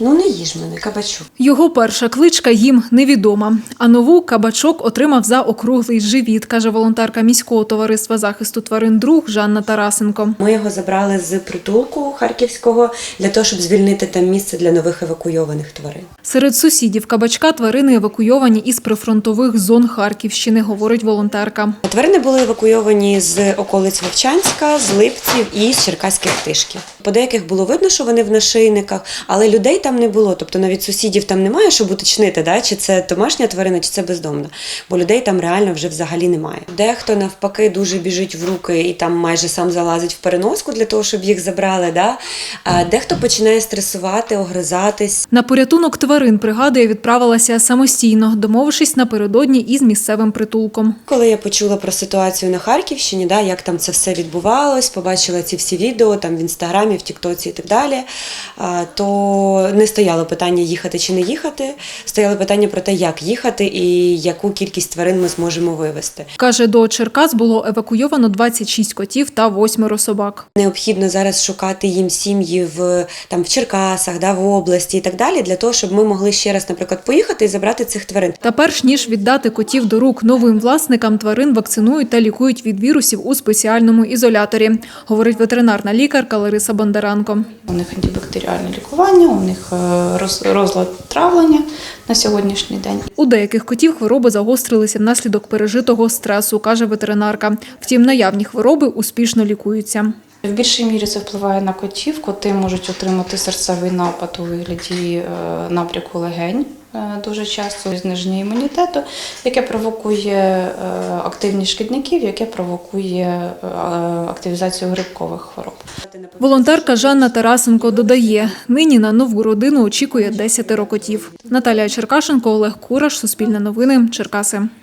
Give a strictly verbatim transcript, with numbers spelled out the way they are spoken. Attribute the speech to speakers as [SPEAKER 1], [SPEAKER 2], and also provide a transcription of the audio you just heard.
[SPEAKER 1] Ну не їж мене, кабачок.
[SPEAKER 2] Його перша кличка їм невідома, а нову кабачок отримав за округлий живіт, каже волонтерка міського товариства захисту тварин «Друг» Жанна Тарасенко.
[SPEAKER 1] Ми його забрали з притулку харківського для того, щоб звільнити там місце для нових евакуйованих тварин.
[SPEAKER 2] Серед сусідів кабачка тварини евакуйовані із прифронтових зон Харківщини, говорить волонтерка.
[SPEAKER 1] Тварини були евакуйовані з околиць Вовчанська, з Липців і з Черкаських Тишків. По деяких було видно, що вони в нашийниках, але людей там не було. Тобто навіть сусідів там немає, щоб уточнити, да, чи це домашня тварина, чи це бездомна. Бо людей там реально вже взагалі немає. Дехто навпаки дуже біжить в руки і там майже сам залазить в переноску для того, щоб їх забрали. Да? А дехто починає стресувати, огризатись.
[SPEAKER 2] На порятунок тварин, пригадує, відправилася самостійно, домовившись напередодні із місцевим притулком.
[SPEAKER 1] Коли я почула про ситуацію на Харківщині, да, як там це все відбувалось, побачила ці всі відео там в Інстаграмі, в Тіктоці і так далі, то не стояло питання їхати чи не їхати, стояло питання про те, як їхати і яку кількість тварин ми зможемо вивезти.
[SPEAKER 2] Каже, до Черкас було евакуйовано двадцять шість котів та восьмеро собак.
[SPEAKER 1] Необхідно зараз шукати їм сім'ї в, там, в Черкасах, да, в області і так далі, для того, щоб ми могли ще раз, наприклад, поїхати і забрати цих тварин.
[SPEAKER 2] Та перш ніж віддати котів до рук новим власникам, тварин вакцинують та лікують від вірусів у спеціальному ізоляторі, говорить ветеринарна лікарка Лариса Бондаранко.
[SPEAKER 3] У них антибактеріальне лікування, у них розлад травлення на сьогоднішній день.
[SPEAKER 2] У деяких котів хвороби загострилися внаслідок пережитого стресу, каже ветеринарка. Втім, наявні хвороби успішно лікуються.
[SPEAKER 3] В більшій мірі це впливає на котів. Коти можуть отримати серцевий напад у вигляді набряку легень дуже часто, зниження імунітету, яке провокує активність шкідників, яке провокує активізацію грибкових хвороб.
[SPEAKER 2] Волонтерка Жанна Тарасенко додає, нині на нову родину очікує десятеро котів. Наталія Черкашенко, Олег Кураш, Суспільне новини, Черкаси.